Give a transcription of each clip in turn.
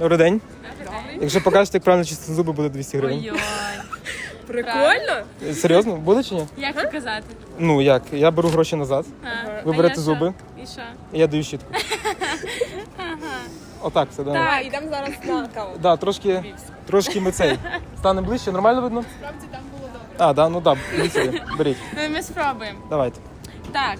Добрий день. Якщо покажете, як правильно чистити зуби, буде 200 гривень. Ой-ой. Прикольно. Серйозно? Буде чи ні? Як показати? Ну як? Я беру гроші назад, ви берете зуби, І що? і я даю щітку. Отак все, да. Так, йдемо зараз на каву. Да, трошки ми цей. Стане ближче, нормально видно? Справді там було добре. А, да, ну так, да, беріть. Ну, ми спробуємо. Давайте. Так.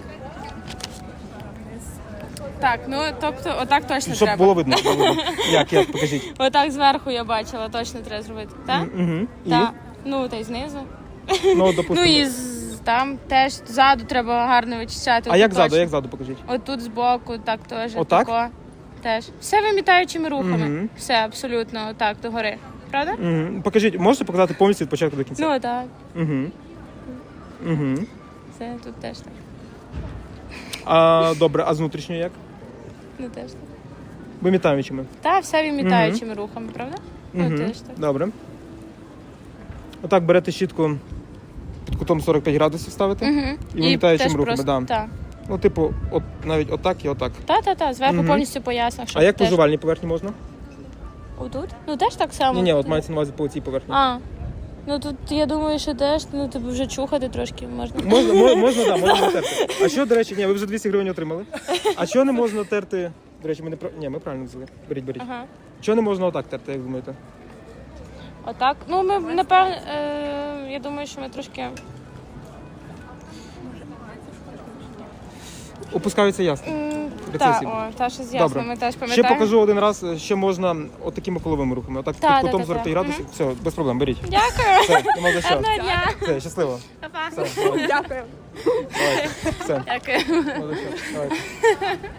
Так, ну, тобто, отак точно Щоб треба. було видно. Як, покажіть. Отак зверху я бачила, точно треба зробити. Так? Угу. І? Так. Ну, та й знизу. Ну, допустимо. Ну, і там теж ззаду треба гарно вичищати. А отут як ззаду, точно. як ззаду покажіть? Отут збоку, так теж. Отак? Тако. Теж. Все вимітаючими рухами. Мгм. Все абсолютно отак, догори. Правда? Угу. Покажіть, можете показати повністю від початку до кінця? Ну, так. Угу. Угу. Все тут теж так. А, добре, а з внутрішньої як? Ну, теж так. Вимітаючими. Та, все вимітаючими рухами, правда? Ну, Угу. теж так. Добре. Отак берете щітку під кутом 45 градусів ставите. Угу. І вимітаючими теж рухами, просто, да. Так. Ну, типу, от навіть отак і отак. Та, зверху Мгм. повністю по яснах. А як по жувальній поверхні можна? Отут? Ну, теж так само. Ні, от мається на увазі по цій поверхні. А, ну тут я думаю, що теж, ну, тобі вже чухати трошки можна. Можна, да, можна натерти. А що, до речі, ні, ви вже 200 гривень отримали. А що не можна терти? До речі, ми правильно взяли. Беріть. Ага. Що не можна отак терти, як думаєте? Отак. Ну, ми, напевно, я думаю, що ми трошки... Опускаються ясно. Так, Рецесії. та щось ясно, Добре. ми теж Ще пам'ятаємо. покажу один раз, ще можна отакими коловими рухами. Отак Та, під кутом та, 45 та. градусів. Все, без проблем, беріть. Дякую. Все, нема за що. Гарного дня. Все, щасливо. Па-па. Все, давайте. Дякую. Давайте. Все, Дякую. нема за що. Давайте.